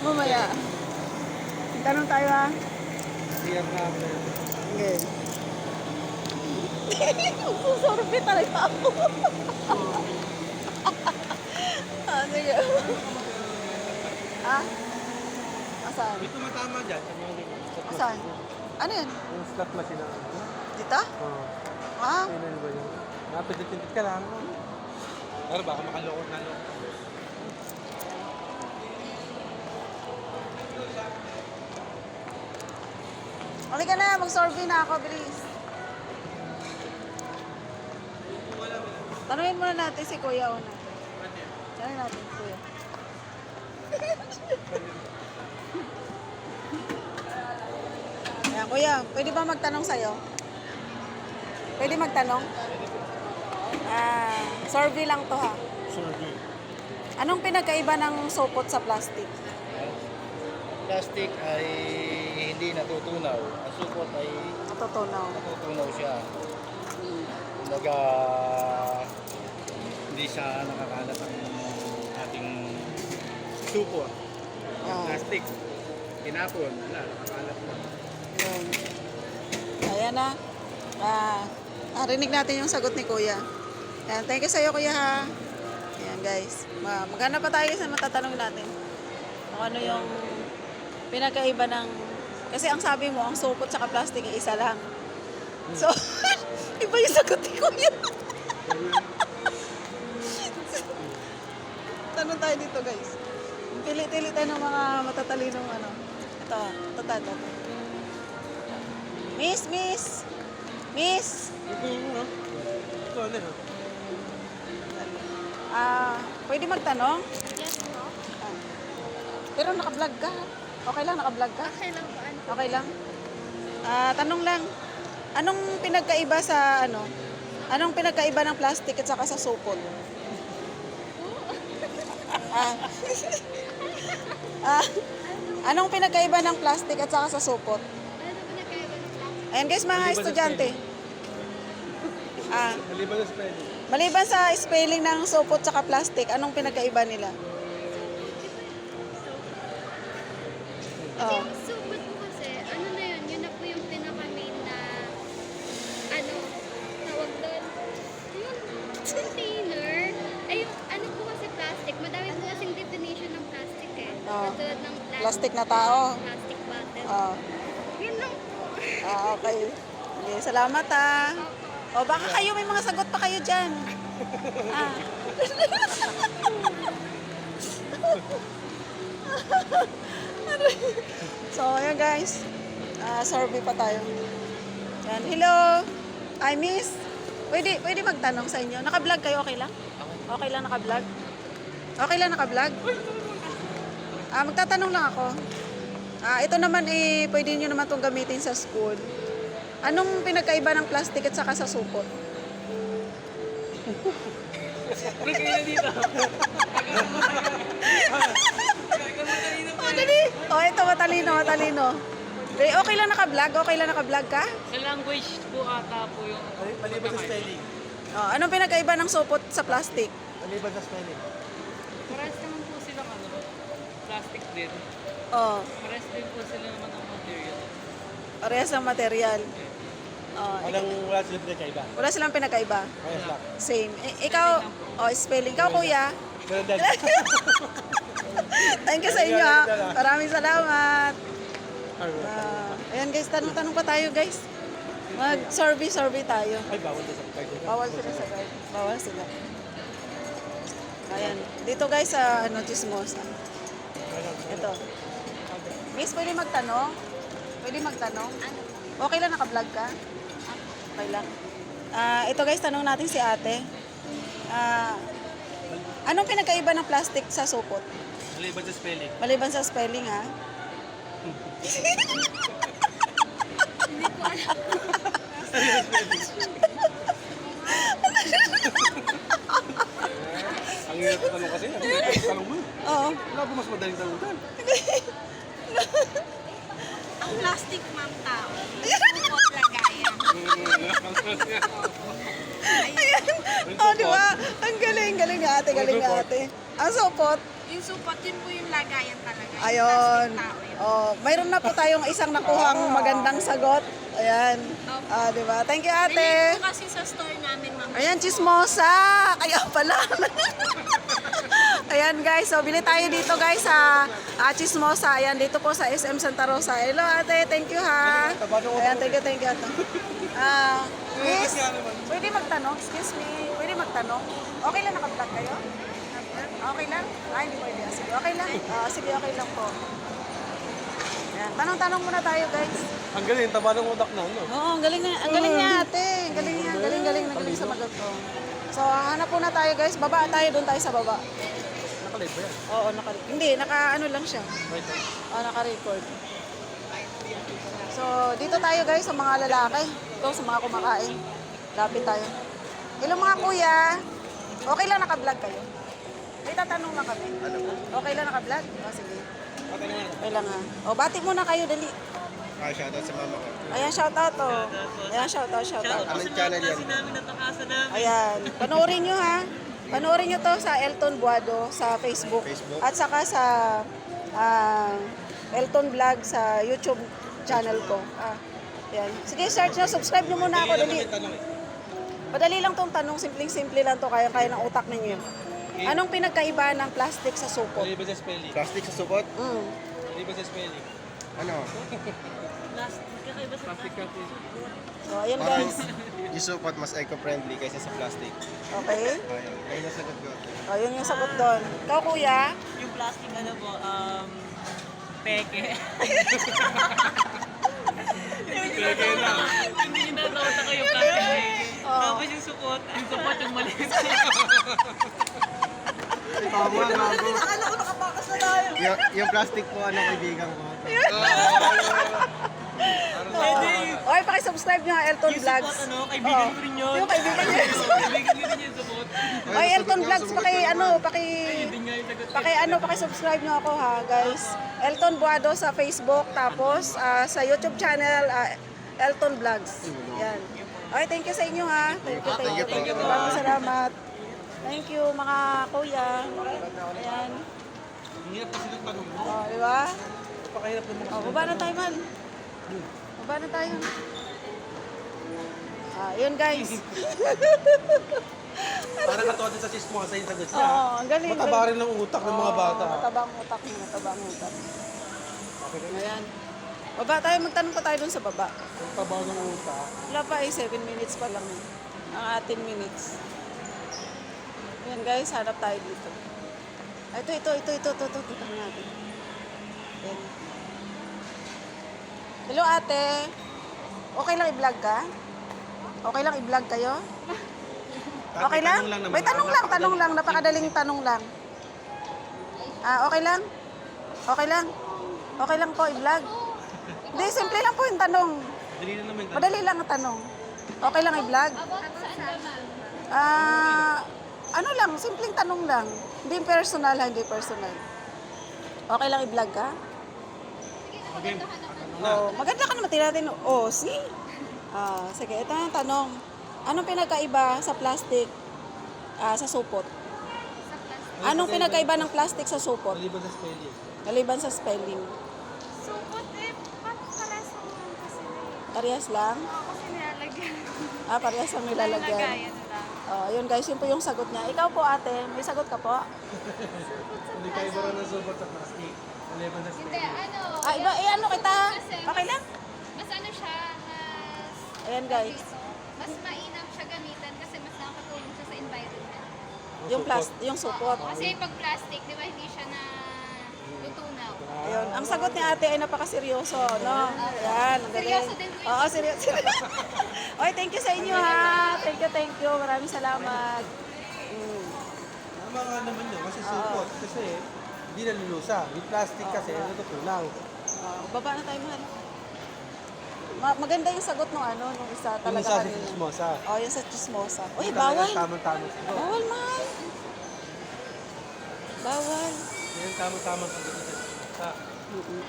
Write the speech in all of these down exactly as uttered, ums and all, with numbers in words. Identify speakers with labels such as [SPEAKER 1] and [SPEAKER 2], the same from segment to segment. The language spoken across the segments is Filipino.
[SPEAKER 1] Mamaya. Tanong tayo ha.
[SPEAKER 2] Clear na ako.
[SPEAKER 1] Okay. Susurbi talaga ako. Ah, sige. Ah? Asan?
[SPEAKER 2] May tumatama dyan. Sa mga ganyan.
[SPEAKER 1] Asan? Ano yun?
[SPEAKER 2] Yung slot machine na.
[SPEAKER 1] Dito?
[SPEAKER 2] Oo.
[SPEAKER 1] Ah?
[SPEAKER 2] Ayun ba yun? Napindit-pindit ka lang. Pero baka makaloko na loko.
[SPEAKER 1] Halika na, mag-survey na ako, bilis. Tanungin muna natin si Kuya una. Tanungin natin si Kuya. Ayan, Kuya, pwede ba magtanong sa'yo? Pwede magtanong? Ah, survey lang to ha.
[SPEAKER 2] Survey.
[SPEAKER 1] Anong pinagkaiba ng supot sa plastic?
[SPEAKER 3] Plastic ay hindi natutunaw. Ang supot ay
[SPEAKER 1] Natutunaw.
[SPEAKER 3] natutunaw siya. Kumbaga, hindi siya nakakalat ang ating supot.
[SPEAKER 1] Ah,
[SPEAKER 3] Plastic, tinapon, wala, nakakalat na.
[SPEAKER 1] yun. Ayan na. Ah, narinig natin yung sagot ni Kuya. Ayan, thank you sa'yo, Kuya ha. Ayan guys. Ma maghanap pa tayo sa matatanong natin. Kung ano yung pinagkaiba ng... Kasi ang sabi mo, ang supot sa plastic ay isa lang. So, iba yung sagot ni Kuya. Tanong tayo dito guys. Pili-pili tayo ng mga matatalinong ano. Ito, ito, ito, ito. Miss, miss! Miss!
[SPEAKER 2] Ito yung ano? Ito ano yun?
[SPEAKER 1] Ah, pwede magtanong?
[SPEAKER 4] Yes po.
[SPEAKER 1] Ah. Pero naka-vlog ka. Okay lang, naka-vlog ka?
[SPEAKER 4] Okay lang po. Ano?
[SPEAKER 1] Okay lang. Ah, tanong lang. Anong pinagkaiba sa ano? Anong pinagkaiba ng plastic at saka sa supot? ah. ah. Anong pinagkaiba ng plastic at saka sa supot?
[SPEAKER 4] Ano po nagkaiba ng plastic?
[SPEAKER 1] Ayan guys, mga
[SPEAKER 2] Maliban sa
[SPEAKER 1] estudyante. Ah,
[SPEAKER 2] Maliban sa spelling.
[SPEAKER 1] maliban sa spelling ng supot at plastic, anong pinagkaiba nila? Oh.
[SPEAKER 4] Yung supot po kasi, ano na yun, yun na po yung pinaka-main na, ano, tawag doon, yung container, ay yung, ano po kasi plastic, madami po kasing definition ng plastic eh.
[SPEAKER 1] Oh.
[SPEAKER 4] Katulad ng plastic,
[SPEAKER 1] Plastic na tao.
[SPEAKER 4] plastic bottle.
[SPEAKER 1] Ah.
[SPEAKER 4] Yun lang po.
[SPEAKER 1] Ah, okay. Okay, salamat ah. O baka kayo may mga sagot pa kayo dyan. Ah. So, ayan guys. Ah, survey pa tayo. Yan. Hello. I miss. Pwede, pwede magtanong sa inyo. Naka-vlog kayo, okay lang? Okay lang naka-vlog? Okay lang naka-vlog? Ah, magtatanong lang ako. Ah, ito naman eh, pwede nyo naman itong gamitin sa school. Anong pinagkaiba ng plastic at saka sa supot? Oh, dali. Oh, ito matalino, matalino. Eh, okay lang naka-vlog? Okay lang naka-vlog ka?
[SPEAKER 5] Sa language po ata po yung...
[SPEAKER 2] Maliban sa spelling.
[SPEAKER 1] Oh, anong pinagkaiba ng supot sa plastic?
[SPEAKER 2] Maliban sa spelling.
[SPEAKER 5] Parehas naman po silang ano, plastic din.
[SPEAKER 1] Oh,
[SPEAKER 5] Parehas din po sila naman ang material.
[SPEAKER 1] parehas ng material. Oh,
[SPEAKER 2] Walang wala silang pinagkaiba.
[SPEAKER 1] wala silang pinagkaiba.
[SPEAKER 2] Ayos lang.
[SPEAKER 1] Same. I- ikaw, oh, spelling. Ikaw, kuya.
[SPEAKER 2] Ganun din.
[SPEAKER 1] Thank you sa inyo, ha. Maraming salamat. Ah, ayan guys, tanong-tanong pa tayo guys. Mag-survey-survey tayo.
[SPEAKER 2] Ay, bawal din sa pagkain.
[SPEAKER 1] Bawal sila sa guide. Bawal sila. Ayan. Dito guys sa ano, Chismosa. Ito. Miss, pwede magtanong? Pwede magtanong?
[SPEAKER 4] Ano?
[SPEAKER 1] Okay lang, naka-vlog ka? Okay lang. Ah, ito guys, tanong natin si ate. Ah, anong pinagkaiba ng plastic sa supot?
[SPEAKER 2] Maliban sa spelling.
[SPEAKER 1] Maliban sa spelling, ha?
[SPEAKER 2] Ang hirap na tanong kasi. Ang hirap na tanong mo.
[SPEAKER 1] Oo.
[SPEAKER 2] Wala ba mas madaling tanong dyan?
[SPEAKER 4] Ang plastic, ma'am, tao. Supot lagayan.
[SPEAKER 1] Ayan. Oh, di ba? Ang galing, galing nga ate, galing nga ate. Ang supot,
[SPEAKER 6] Yung supot, yun po yung lagayan talaga. Yung
[SPEAKER 1] Ayun.
[SPEAKER 6] plastic tao yun.
[SPEAKER 1] Oh, mayroon na po tayong isang nakuhang magandang sagot. Ayan. Ah, di ba? Thank you, ate.
[SPEAKER 6] Nilink po kasi sa store namin, ma'am.
[SPEAKER 1] Ayan, chismosa. Kaya pala. Ayan, guys. So, bili tayo dito, guys, sa ah, chismosa. Ayan, dito po sa S M Santa Rosa. Hello, ate. Thank you, ha. Ayan, thank you, thank you, ate. Ah, miss, pwede magtanong? Excuse me. Pwede magtanong? Okay lang naka-vlog kayo? Okay lang? Ay, hindi pwede. Ah, Sige, okay lang. Ah, sige, okay lang po. Ayan. Tanong-tanong muna tayo, guys.
[SPEAKER 2] Ang galing, taba ng utak na, no?
[SPEAKER 1] Oo, ang galing niya, ang galing niya ate. Ang galing niya, ang galing, galing, ang galing sa magot ko. So, hanap po na tayo guys. Baba tayo, doon tayo sa baba.
[SPEAKER 2] Nakalive ba yan?
[SPEAKER 1] Oo, naka, hindi, naka ano lang siya.
[SPEAKER 2] Right.
[SPEAKER 1] Oo, naka-record. So, dito tayo guys sa mga lalaki. Ito, sa mga kumakain. Lapit tayo. Hello mga kuya. Okay lang naka-vlog kayo? May tatanong lang kami. Okay lang naka-vlog? O, sige. Okay lang ha. O, bati muna kayo, dali.
[SPEAKER 3] Ah, shoutout sa mama ko.
[SPEAKER 1] Ayan, shoutout to. Ayan, shoutout, shoutout.
[SPEAKER 3] Anong channel yan?
[SPEAKER 1] Ayan. Panoorin nyo ha. Panoorin nyo to sa Elton Buado sa Facebook.
[SPEAKER 3] Facebook.
[SPEAKER 1] At saka sa ah, Elton Vlog sa YouTube channel ko. Ah, yan. Sige, search nyo. Subscribe nyo muna ako. Dali. Madali lang tong tanong. Simpleng-simple lang to. Kaya-kaya ng utak ninyo. Anong pinagkaiba ng plastic sa supot?
[SPEAKER 2] Mali ba sa spelling?
[SPEAKER 3] Plastic sa supot?
[SPEAKER 1] Mm.
[SPEAKER 2] Mali ba sa spelling?
[SPEAKER 3] Ano?
[SPEAKER 2] Plastic kasi.
[SPEAKER 1] So, ayan guys.
[SPEAKER 3] Yung supot mas eco-friendly kaysa sa plastic.
[SPEAKER 1] Okay?
[SPEAKER 3] Ayun. Ayun ang sagot ko.
[SPEAKER 1] O, yun yung sagot doon. Ikaw, kuya?
[SPEAKER 5] Yung plastic ano po, um, peke. Peke na. Hindi nyo natawata kayo plastic peke. Tapos yung supot, yung supot yung maliit.
[SPEAKER 3] Tama, gago. Yung, yung plastic po, ano, kaibigan ko.
[SPEAKER 1] Oy, pakisubscribe nyo ang Elton
[SPEAKER 5] Yung
[SPEAKER 1] Vlogs.
[SPEAKER 5] supot, ano, kaibigan ko rin yun.
[SPEAKER 1] Yung kaibigan nyo.
[SPEAKER 5] Kaibigan ko rin yung supot.
[SPEAKER 1] Oy, Elton Vlogs, paki ano, paki
[SPEAKER 5] Hindi nga yung sagot.
[SPEAKER 1] paki ano, paki-subscribe nyo ako ha, guys. Elton Buado sa Facebook, tapos ah, sa YouTube channel ah, Elton Vlogs. Yan. Okay, thank you sa inyo ha. Thank you, thank you, thank you. Maraming salamat. Thank you mga kuya. Ayan.
[SPEAKER 2] Ang hirap kasi ng tanong mo.
[SPEAKER 1] Oh, di ba?
[SPEAKER 2] Napakahirap ng mga
[SPEAKER 1] Oh, baba na tayo man. Baba na tayo. Ah, yun guys.
[SPEAKER 2] Parang katuwa din sa chismosa yung sagot niya.
[SPEAKER 1] Oo, ang galing.
[SPEAKER 2] Mataba rin ng utak ng mga bata.
[SPEAKER 1] Oo, matabang utak mo, matabang utak. Ayan. Baba tayo, magtanong pa tayo dun sa baba.
[SPEAKER 2] Ang taba ng utak.
[SPEAKER 1] Wala pa eh, seven minutes pa lang. eh. Ang atin minutes. Ayan guys, hanap tayo dito. Ay, ito, ito, ito, ito, ito, ito, ito, ito natin. Ayan. Hello ate. Okay lang i-vlog ka? Okay lang i-vlog kayo? Okay lang? May tanong lang, tanong lang. Napakadaling tanong lang. Ah, okay lang? Okay lang? Okay lang po i-vlog? Hindi, simple lang po yung tanong.
[SPEAKER 2] Dali na naman.
[SPEAKER 1] Madali lang ang tanong. Okay lang i-vlog? Ah, ano lang, simpleng tanong lang. Hindi personal, ha, hindi personal. Okay lang i-vlog ka?
[SPEAKER 2] Okay.
[SPEAKER 1] Oh, maganda ka naman tinatin. Oh, see? Ah, sige, ito yung tanong. Anong pinagkaiba sa plastic ah, sa supot? Anong pinagkaiba ng plastic sa supot?
[SPEAKER 2] Mali ba sa spelling?
[SPEAKER 1] Maliban sa spelling.
[SPEAKER 6] Supot, eh, pa- parehas lang naman kasi.
[SPEAKER 1] Parehas lang?
[SPEAKER 6] Oo, kasi nilalagyan.
[SPEAKER 1] Ah, parehas lang nilalagyan.
[SPEAKER 6] Lagayan lang.
[SPEAKER 1] Oh, yun guys, yun po yung sagot niya. Ikaw po ate, may sagot ka po?
[SPEAKER 2] Hindi kayo ba rin ng support sa plastic? Mali ba sa
[SPEAKER 4] Hindi,
[SPEAKER 2] spelling?
[SPEAKER 4] ano,
[SPEAKER 1] Ah, iba, eh ano kita?
[SPEAKER 4] Kasi
[SPEAKER 1] Okay lang?
[SPEAKER 4] mas ano siya, mas,
[SPEAKER 1] Ayan guys,
[SPEAKER 4] mas mainam siya gamitan kasi mas nakakatulong siya sa environment.
[SPEAKER 1] yung plastic, yung supot.
[SPEAKER 4] Kasi pag plastic, di ba, hindi siya na lutunaw.
[SPEAKER 1] Ayun, ang sagot ni ate ay napakaseryoso, no? Ayan, ang galing.
[SPEAKER 4] Seryoso din po yun.
[SPEAKER 1] Oo, seryoso. Oy, thank you sa inyo ha. Thank you, thank you. Maraming salamat. Mm.
[SPEAKER 2] Tama nga naman yun kasi support. Kasi hindi nalulusa. Yung plastic kasi natutunaw.
[SPEAKER 1] Ah, baba na tayo, mahal. Ma- maganda yung sagot nung ano, nung isa
[SPEAKER 2] Yung
[SPEAKER 1] talaga
[SPEAKER 2] isa sa
[SPEAKER 1] kanina.
[SPEAKER 2] chismosa.
[SPEAKER 1] Oh, yung sa chismosa. Uy,
[SPEAKER 2] Yung
[SPEAKER 1] bawal.
[SPEAKER 2] talagang Tamang-tamang sagot.
[SPEAKER 1] Bawal, mahal. Bawal.
[SPEAKER 2] Yan yung tamang-tamang sagot sa chismosa.
[SPEAKER 1] Mm-mm.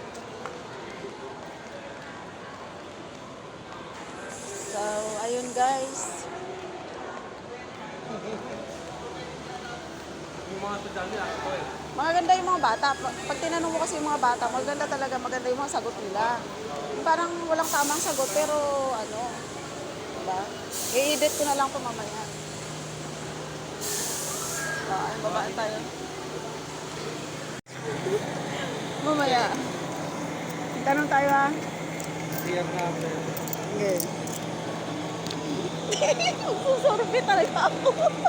[SPEAKER 1] So, ayun guys.
[SPEAKER 2] Yung mga estudyante ako eh.
[SPEAKER 1] Maganda yung mga bata. Pag pag tinanong mo kasi yung mga bata, maganda talaga, maganda yung mga sagot nila. Yung parang walang tamang sagot, pero ano, diba? I-edit ko na lang po mamaya. Ah, ay, babaan tayo. Mamaya. Tanong tayo ha.
[SPEAKER 2] Clear na ako.
[SPEAKER 1] Okay. Susurbi talaga ako.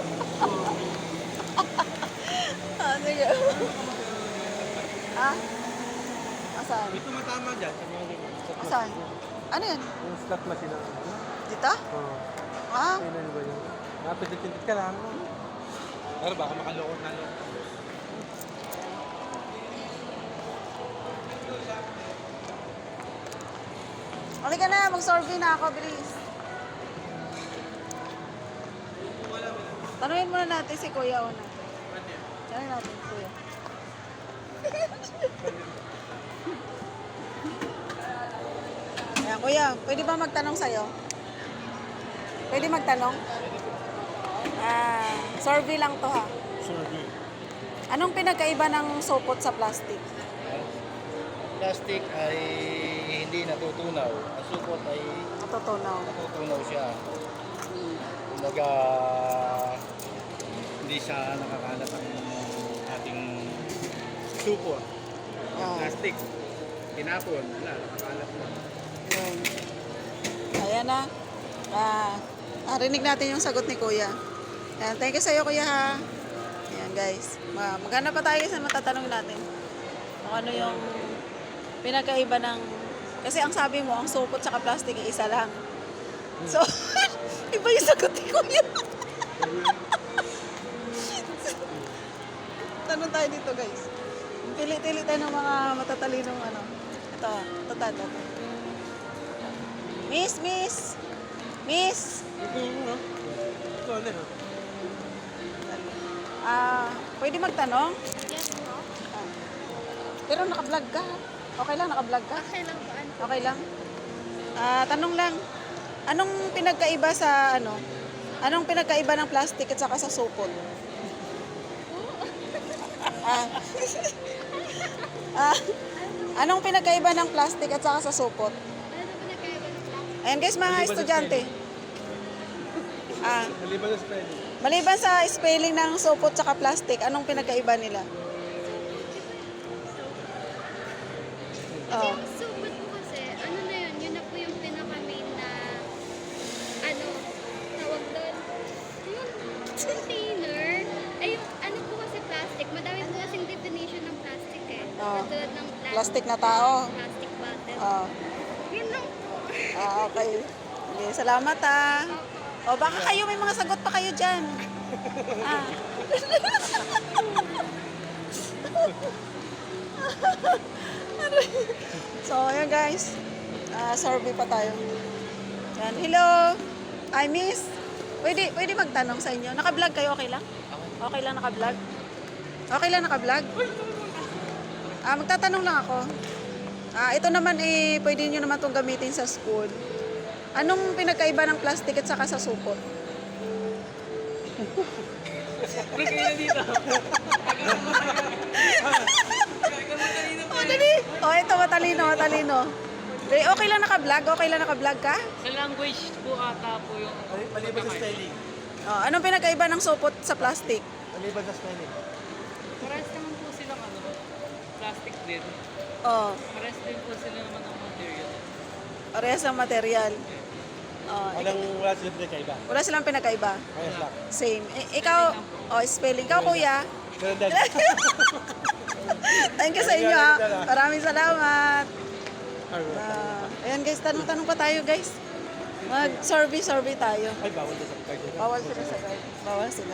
[SPEAKER 1] Ah, sige. Ha? Asan?
[SPEAKER 2] May tumatama dyan. Sa mga ganyan. Sa slot
[SPEAKER 1] Asan?
[SPEAKER 2] machine.
[SPEAKER 1] Ano yun?
[SPEAKER 2] Yung slot machine na.
[SPEAKER 1] Dito?
[SPEAKER 2] Oo.
[SPEAKER 1] Ah,
[SPEAKER 2] Ayun ba yun? Napindit-pindit ka lang. Pero baka makaloko na yun.
[SPEAKER 1] halika na, mag-survey na ako, bilis. Tanungin muna natin si Kuya una. Tanungin natin si Kuya. Ayan, Kuya, pwede ba magtanong sa'yo? Pwede magtanong? Ah, survey lang to ha.
[SPEAKER 3] Survey.
[SPEAKER 1] Anong pinagkaiba ng supot sa plastic?
[SPEAKER 3] Plastic ay hindi natutunaw. Ang supot ay
[SPEAKER 1] Natutunaw.
[SPEAKER 3] natutunaw siya. Kumbaga, hindi siya nakakalat ang ating supot.
[SPEAKER 1] Ah,
[SPEAKER 3] Plastic, tinapon, wala, nakakalat na.
[SPEAKER 1] yun. Ayan na. Ah, narinig natin yung sagot ni Kuya. Ayan, thank you sa'yo, Kuya ha. Ayan guys. Ma- Maghanap pa tayo sa matatanong natin. Kung ano yung pinagkaiba ng... Kasi ang sabi mo, ang supot sa plastic ay isa lang. So, iba yung sagot ni Kuya. Tanong tayo dito guys. Pili-pili tayo ng mga matatalinong ano. Ito, ito, ito, ito. Miss, miss! Miss!
[SPEAKER 2] Ito yung ano. Ito ano yun?
[SPEAKER 1] Ah, pwede magtanong?
[SPEAKER 4] Yes po.
[SPEAKER 1] Ah. Pero naka-vlog ka. Okay lang, naka-vlog ka?
[SPEAKER 4] Okay lang po. Ano?
[SPEAKER 1] Okay lang. Ah, tanong lang. Anong pinagkaiba sa ano? Anong pinagkaiba ng plastic at saka sa supot? ah. ah. Anong pinagkaiba ng plastic at saka sa supot?
[SPEAKER 4] Ano po nagkaiba ng plastic?
[SPEAKER 1] Ayan guys, mga
[SPEAKER 2] Maliban sa
[SPEAKER 1] estudyante. Ah,
[SPEAKER 2] Maliban sa spelling.
[SPEAKER 1] maliban sa spelling ng supot at plastic, anong pinagkaiba nila? Oh.
[SPEAKER 4] Yung supot po kasi, ano na yun, yun na po yung pinaka-main na, ano, tawag doon, yung container, ay yung, ano po kasi plastic, madami po kasing definition ng plastic eh.
[SPEAKER 1] Ah.
[SPEAKER 4] Katulad ng plastic,
[SPEAKER 1] Plastic na tao.
[SPEAKER 4] plastic bottle.
[SPEAKER 1] Oh.
[SPEAKER 4] Yun lang po.
[SPEAKER 1] Ah, okay. Okay, salamat ah. O baka kayo may mga sagot pa kayo dyan. Ah. So, ayan guys. Ah, survey pa tayo. Yan. Hello. I miss. Pwede, pwede magtanong sa inyo. Naka-vlog kayo, okay lang? Okay lang naka-vlog? Okay lang naka-vlog? Ah, magtatanong lang ako. Ah, ito naman eh, pwede nyo naman itong gamitin sa school. Anong pinagkaiba ng plastic at saka sa supot?
[SPEAKER 5] Pre, kayo na dito.
[SPEAKER 1] Oh, dali! Oh, ito matalino, matalino. Dali, okay lang naka-vlog? Okay lang naka-vlog ka?
[SPEAKER 5] Sa language po ata po yung...
[SPEAKER 2] Mali- Maliban sa spelling.
[SPEAKER 1] Oh, anong pinagkaiba ng supot sa plastic?
[SPEAKER 2] Maliban sa spelling.
[SPEAKER 5] Parehas naman po silang ano, plastic din.
[SPEAKER 1] Oh,
[SPEAKER 5] Parehas din po sila naman ng material.
[SPEAKER 1] parehas ng material. Oh,
[SPEAKER 2] Walang wala sila pinagkaiba.
[SPEAKER 1] wala silang pinagkaiba.
[SPEAKER 2] Ayos lang.
[SPEAKER 1] Same. I- ikaw, oh, spelling. Ikaw, kuya.
[SPEAKER 2] Ganun din.
[SPEAKER 1] Thank you sa inyo, ha. Maraming salamat.
[SPEAKER 2] Alright.
[SPEAKER 1] Ah, ayan guys, tanong-tanong pa tayo guys. Mag-survey-survey tayo.
[SPEAKER 2] Ay, bawal na sa card.
[SPEAKER 1] Bawal sila sa guide. Bawal sila.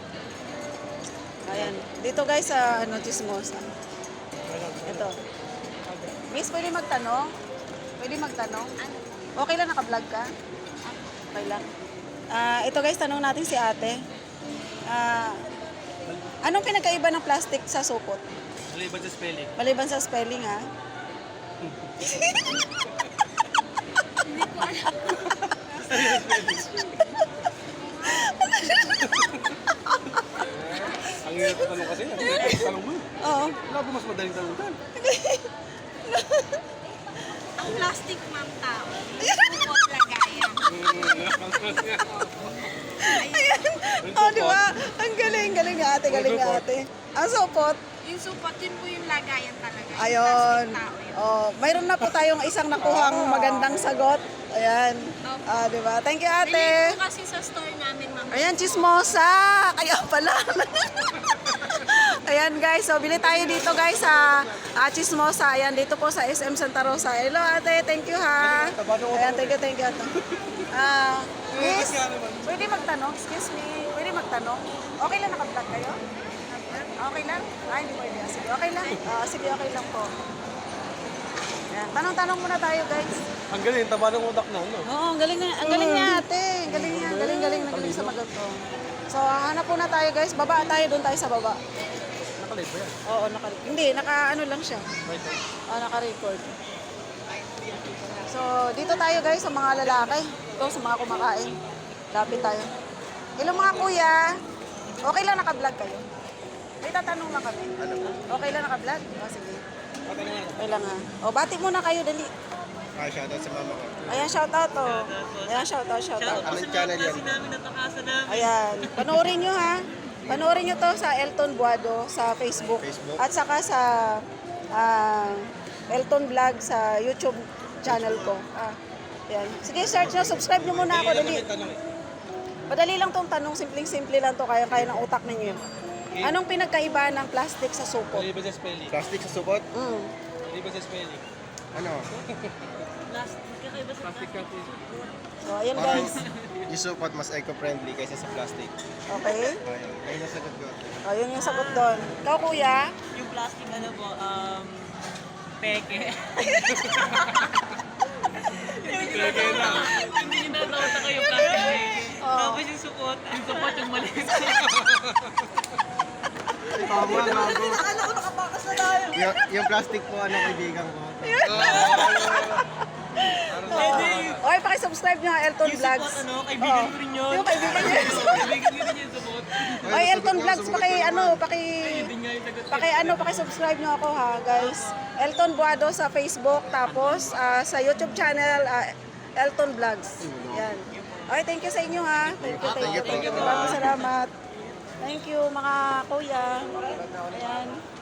[SPEAKER 1] Ayan. Dito guys sa ano, Chismosa. Ito. Miss, pwede magtanong? Pwede magtanong? Okay lang naka-vlog ka? Okay lang. Ah, ito guys, tanong natin si ate. Ah, anong pinagkaiba ng plastic sa supot?
[SPEAKER 2] Maliban sa spelling.
[SPEAKER 1] Maliban sa spelling, ha?
[SPEAKER 2] Ang hirap tanong kasi. Ang hirap tanong mo.
[SPEAKER 1] Oo.
[SPEAKER 2] Wala ba mas madaling talunan?
[SPEAKER 6] Ang plastic, ma'am, tao. Supot lagayan.
[SPEAKER 1] Oh, di ba? Ang galing, galing nga ate, galing nga ate. Ang supot.
[SPEAKER 6] Yung supot, yun po yung lagayan talaga. Yung
[SPEAKER 1] Ayun.
[SPEAKER 6] plastic tao yun.
[SPEAKER 1] Oh, mayroon na po tayong isang nakuhang magandang sagot. Ayan. Ah, di ba? Thank you,
[SPEAKER 6] Bili
[SPEAKER 1] ate.
[SPEAKER 6] po kasi sa store namin, ma'am.
[SPEAKER 1] Ayan, chismosa. Kaya pala. Ayan, guys. So, bili tayo dito, guys, sa ah, chismosa. Ayan, dito po sa S M Santa Rosa. Hello, ate. Thank you, ha. Ayan, thank you, thank you, ate. Ah, miss, pwede magtanong? Excuse me. Pwede magtanong? Okay lang naka-vlog kayo? Okay lang? Ay, hindi pwede. Ah, Sige, okay lang. Ah, sige, okay lang po. Ayan, tanong-tanong muna tayo, guys.
[SPEAKER 2] Ang galing, taba ng utak na, no?
[SPEAKER 1] Oo, ang galing niya, ang galing niya ate. Ang galing niya, galing, galing, galing sa magot ko. So, hanap po na tayo guys. Baba tayo, doon tayo sa baba.
[SPEAKER 2] Nakalate ba yan?
[SPEAKER 1] Oo, naka, hindi, naka ano lang siya.
[SPEAKER 2] Right, right.
[SPEAKER 1] Oo, naka-record. So, dito tayo guys sa mga lalaki. Ito, sa mga kumakain. Lapit tayo. Hello mga kuya. Okay lang naka-vlog kayo? May tatanong lang kami. Okay lang naka-vlog? O, sige. Okay lang ha. O, bati muna kayo, dali.
[SPEAKER 3] Ah, shoutout sa mama ko.
[SPEAKER 1] Ayan, shoutout to. Ayan, shoutout, shoutout.
[SPEAKER 3] Anong channel yan?
[SPEAKER 5] Kasi namin natakasan namin.
[SPEAKER 1] Ayan, panoorin nyo ha. Panoorin nyo to sa Elton Buado sa Facebook.
[SPEAKER 3] Facebook.
[SPEAKER 1] At saka sa ah, Elton Vlog sa YouTube channel ko. Ah, ayan. Sige, search nyo. Subscribe nyo muna ako. Dali. Madali lang tong tanong. Simpleng-simple lang to. Kaya-kaya ng utak ninyo. Anong pinagkaiba ng plastic sa supot?
[SPEAKER 2] Mali ba sa spelling?
[SPEAKER 3] Plastic sa supot?
[SPEAKER 1] Mm.
[SPEAKER 2] Mali ba sa spelling?
[SPEAKER 3] Ano?
[SPEAKER 5] Plastic, kakaiba sa
[SPEAKER 2] Plastic cut is...
[SPEAKER 1] So, ayan guys.
[SPEAKER 3] Yung supot mas eco-friendly kaysa sa plastic.
[SPEAKER 1] Okay?
[SPEAKER 3] Ayun. Ayun ang sagot ko.
[SPEAKER 1] O, yun yung sagot doon. Ikaw, kuya?
[SPEAKER 5] Yung plastic ano po, um, peke. Hindi na. Hindi nyo natawta kayo plastic. Tapos yung supot, yung supot yung mali.
[SPEAKER 3] Tama, gago. Yung, yung plastic po, ano, kaibigan ko.
[SPEAKER 1] Okay, pakisubscribe nyo ang Elton
[SPEAKER 5] Yung
[SPEAKER 1] Vlogs.
[SPEAKER 5] supot, ano, kaibigan ko rin yun.
[SPEAKER 1] Yung kaibigan nyo.
[SPEAKER 5] Kaibigan ko rin yung supot.
[SPEAKER 1] Ay, Elton Vlogs, paki, ano, paki,
[SPEAKER 5] Hindi nga yung sagot.
[SPEAKER 1] paki, ano, paki-subscribe nyo ako ha, guys. Elton Buado sa Facebook, tapos ah, sa YouTube channel, ah, Elton Vlogs. Yan. Okay, thank you sa inyo ha. Thank you, thank you, thank you. Maraming salamat. Thank you, mga kuya. Ayan.